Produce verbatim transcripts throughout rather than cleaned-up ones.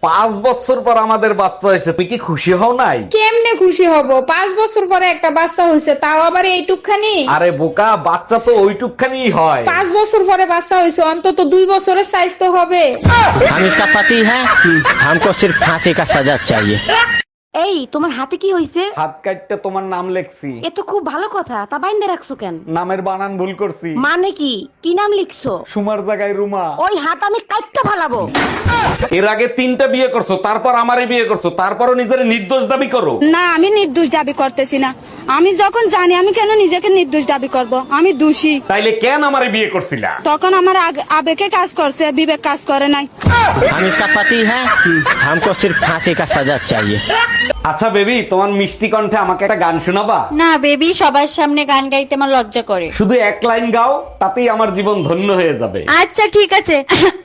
পাঁচ বছর পর আমাদের বাচ্চা হয়েছে, তুই কি খুশি হও নাই? কেমনে খুশি হব? পাঁচ বছর পরে একটা বাচ্চা হয়েছে, তাও আবার এইটুকখানি। আরে বোকা, বাচ্চা তো ওইটুকখানি হয়। পাঁচ বছর পরে বাচ্চা হয়েছে, অন্তত দুই বছরের সাইজ তো হবে। हम इसका पति है, हमको सिर्फ फांसी का सजा चाहिए। এই তোমার হাতে কি হইছে? হাত কাটতে তোমার নাম লেখছি। এ তো খুব ভালো কথা, তা বাইন্দে রাখছো কেন? নামের বানান ভুল করছি। মানে কি কি নাম লিখছো? সুমার জায়গায় রুমা। ওই হাত আমি কাটতে ফালাবো। এর আগে তিনটা বিয়ে করছো, তারপর আমারই বিয়ে করছো, তারপরও নিজের নির্দোষ দাবি করো। না, আমি নির্দোষ দাবি করতেছি না। আমি যখন জানি, আমি কেন নিজেকে নির্দোষ দাবি করব? আমি দোষী। তাইলে কেন আমারে বিয়ে করছিলা? তখন আমার আগ- আবেগে কাজ করছে, বিবেক কাজ করে নাই। हम इसका पति है, हमको सिर्फ फांसी का सजा चाहिए। আচ্ছা বেবি, তোমার মিষ্টি কণ্ঠে আমাকে একটা গান শোনাবা? না বেবি, সবার সামনে গান গাইতে আমার লজ্জা করে। শুধু এক লাইন গাও, তাতেই আমার জীবন ধন্য হয়ে যাবে। আচ্ছা ঠিক আছে।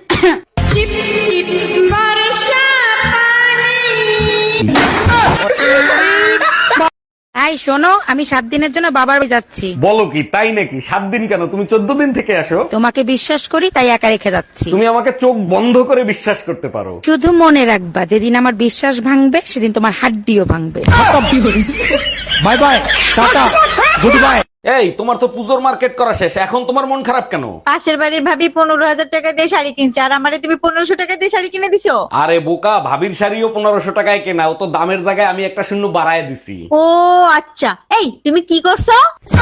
এই শোনো, আমি সাত দিনের জন্য বাবার বাড়ি যাচ্ছি। বলো কি, তাই নাকি? সাত দিন কেন, তুমি চোদ্দ দিন থেকে আসো। তোমাকে বিশ্বাস করি তাই একা রেখে যাচ্ছি। তুমি আমাকে চোখ বন্ধ করে বিশ্বাস করতে পারো। শুধু মনে রাখবা, যেদিন আমার বিশ্বাস ভাঙবে সেদিন তোমার হাড্ডিও ভাঙবে। Bye bye, tata, goodbye. এই, তোমার তো পুজোর মার্কেট করা শেষ, এখন তোমার মন খারাপ কেন? পাশের বাড়ির ভাবি পনেরো হাজার টাকা দিয়ে শাড়ি কিনছে, আর আমারে তুমি পনেরোশো টাকা দিয়ে শাড়ি কিনে দিছো। আরে বোকা, ভাবির শাড়িও পনেরোশো টাকায় কেনা, ও তো দামের জায়গায় আমি একটা শূন্য বাড়ায় দিছি। ও আচ্ছা, এই তুমি কি করছো?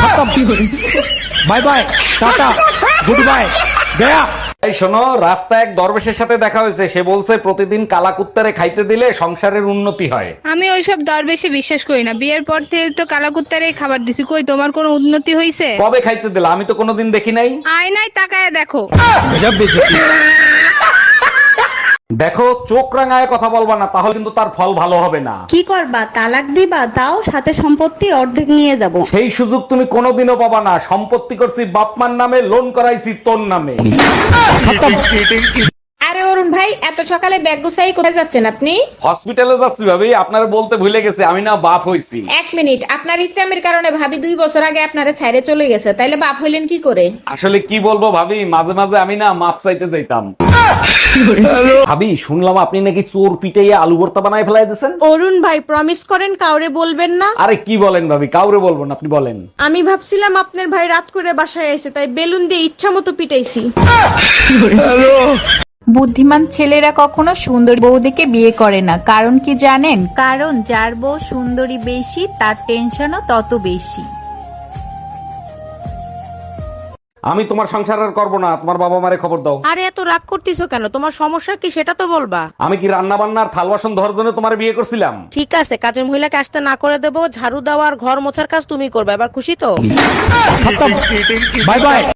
Bye bye, tata, goodbye, गया। এই শোনো, রাস্তায় এক দরবেশের সাথে দেখা হয়েছে, সে বলছে প্রতিদিন কালাকুত্তারে খাইতে দিলে সংসারের উন্নতি হয়। আমি ওইসব দরবেশে বিশ্বাস করি না। বিয়ের পর থেকে তো কালাকুত্তারে খাবার দিছি, কই তোমার কোনো উন্নতি হয়েছে? কবে খাইতে দিলা? আমি তো কোনোদিন দেখি নাই। আয়নায় তাকায় দেখো। দেখো, চোখ রাঙায় কথা বলবা না, তাহলে কিন্তু তার ফল ভালো হবে না। কি করবা? তালাক দিবা? তাও সাথে সম্পত্তি অর্ধেক নিয়ে যাব। সেই সুযোগ তুমি কোনোদিনও পাবা না। সম্পত্তি করছি বাপমার নামে, লোন করাইছি তোর নামে। আরে অরুণ ভাই, এত সকালে ব্যাগ গুছাই কোথায় যাচ্ছেন আপনি? হসপিটালে যাচ্ছি ভাবি, আপনারা বলতে ভুলে গেছে আমি না বাপ হইছি। এক মিনিট, আপনার ইচ্ছামের কারণে ভাবি দুই বছর আগে আপনারে ছাইরে চলে গেছে, তাইলে বাপ হইলেন কি করে? আসলে কি বলবো ভাবি, মাঝে মাঝে আমি না মাপ চাইতে যাইতাম। ভাবি, শুনলাম আপনি নাকি চোর পিটাইয়া আলু ভর্তা বানায় ফেলাই দিয়েছেন। অরুণ ভাই প্রমিস করেন কাউরে বলবেন না। আরে কি বলেন ভাবি, কাউরে বলবো না, আপনি বলেন। আমি ভাবছিলাম আপনার ভাই রাত করে বাসায় এসে, তাই বেলুন দিয়ে ইচ্ছা মতো পিটাইছি। বুদ্ধিমান ছেলেরা কখনো সুন্দরী বউ দেখে বিয়ে করে না, কারণ কি জানেন? কারণ যার বউ সুন্দরী বেশি, তার টেনশনও তত বেশি। আমি তোমার সংসার আর করবো না, তোমার বাবা মারে খবর দাও। আরে এত রাগ করতেছো কেন? তোমার সমস্যা কি সেটা তো বলবা। আমি কি রান্না বান্নার থাল বাসন ধরার জন্য তোমার বিয়ে করছিলাম? ঠিক আছে, কাজের মহিলাকে আসতে না করে দেবো, ঝাড়ু দেওয়া আর ঘর মোছার কাজ তুমি করবে, এবার খুশি তো? Bye bye.